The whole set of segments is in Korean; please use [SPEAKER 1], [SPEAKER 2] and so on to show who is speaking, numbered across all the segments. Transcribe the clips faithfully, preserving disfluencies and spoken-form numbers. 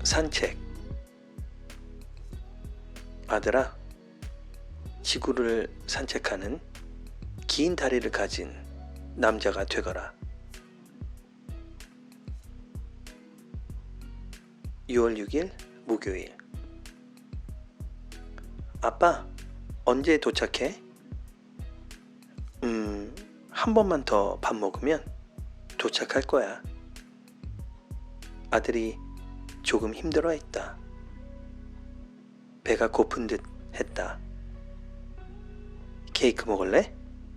[SPEAKER 1] 산책. 아들아, 지구를 산책하는 긴 다리를 가진 남자가 되거라. 유월 육일 목요일. 아빠, 언제 도착해? 음, 한 번만 더 밥 먹으면 도착할 거야. 아들이 조금 힘들어했다. 배가 고픈 듯 했다. 케이크 먹을래?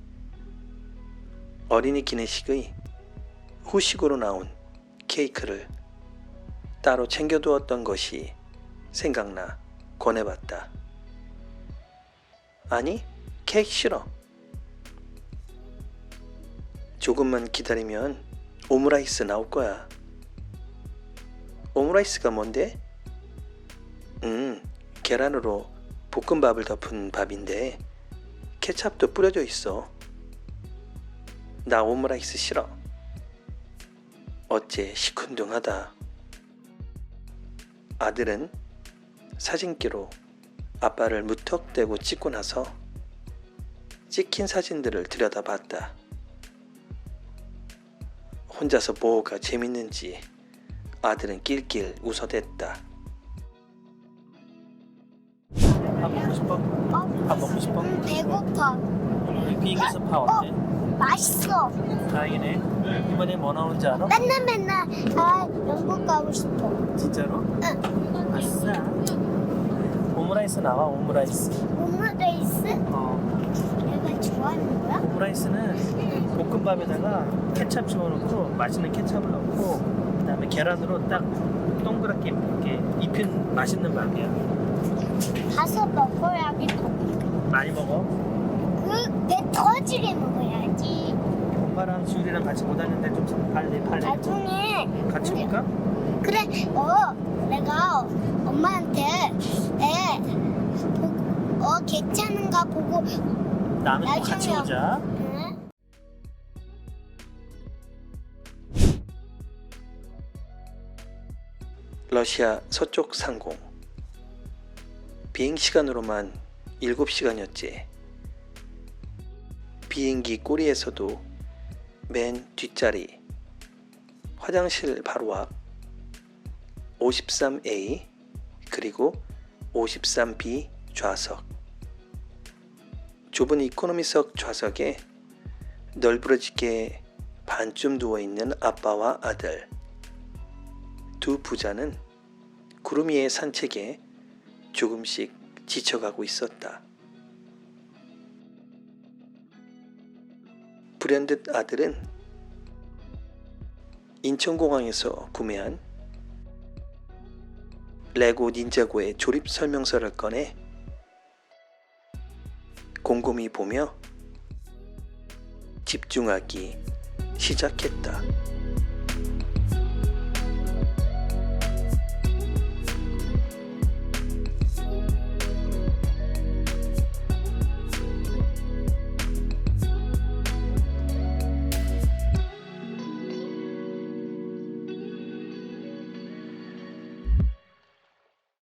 [SPEAKER 1] 어린이 기내식의 후식으로 나온 케이크를 따로 챙겨두었던 것이 생각나 권해봤다. 아니, 케이크 싫어. 조금만 기다리면 오므라이스 나올 거야. 오므라이스가 뭔데? 음, 계란으로 볶음밥을 덮은 밥인데 케찹도 뿌려져 있어. 나 오므라이스 싫어. 어째 시큰둥하다. 아들은 사진기로 아빠를 무턱대고 찍고 나서 찍힌 사진들을 들여다봤다. 혼자서 뭐가 재밌는지 아들은 낄낄 웃어댔다.
[SPEAKER 2] 밥 먹고 싶어?
[SPEAKER 3] 어?
[SPEAKER 2] 밥 먹고 싶어?
[SPEAKER 3] 음, 배고파.
[SPEAKER 2] 여기 비행기에서 파 어때?
[SPEAKER 3] 맛있어.
[SPEAKER 2] 다행이네. 이번에 뭐 나오는지 알아?
[SPEAKER 3] 맨날 맨날 아 영국 가고 싶어.
[SPEAKER 2] 진짜로?
[SPEAKER 3] 응.
[SPEAKER 2] 아싸. 오므라이스 나와, 오므라이스.
[SPEAKER 3] 오므라이스?
[SPEAKER 2] 어,
[SPEAKER 3] 내가 좋아하는 거야?
[SPEAKER 2] 오므라이스는 볶음밥에다가 케찹 집어넣고 맛있는 케찹을 넣고 그 다음에 계란으로 딱 동그랗게 이렇게 입힌 맛있는 밥이야.
[SPEAKER 3] 가서 먹어야지.
[SPEAKER 2] 많이 먹어.
[SPEAKER 3] 그배 터지게 먹어야지.
[SPEAKER 2] 엄마랑 지율이랑 같이 못 왔는데 좀 빨리 빨리
[SPEAKER 3] 나중에
[SPEAKER 2] 같이 올까?
[SPEAKER 3] 그래 어 내가 엄마한테 에 보- 어 괜찮은가 보고
[SPEAKER 2] 나는 또 같이
[SPEAKER 3] 나중에-
[SPEAKER 2] 오자.
[SPEAKER 3] 응?
[SPEAKER 1] 러시아 서쪽 상공. 비행시간으로만 일곱 시간이었지. 비행기 꼬리에서도 맨 뒷자리 화장실 바로 앞 오십삼 에이 그리고 오십삼 비 좌석. 좁은 이코노미석 좌석에 널브러지게 반쯤 누워있는 아빠와 아들. 두 부자는 구름 위의 산책에 조금씩 지쳐가고 있었다. 불현듯 아들은 인천공항에서 구매한 레고 닌자고의 조립 설명서를 꺼내 곰곰이 보며 집중하기 시작했다.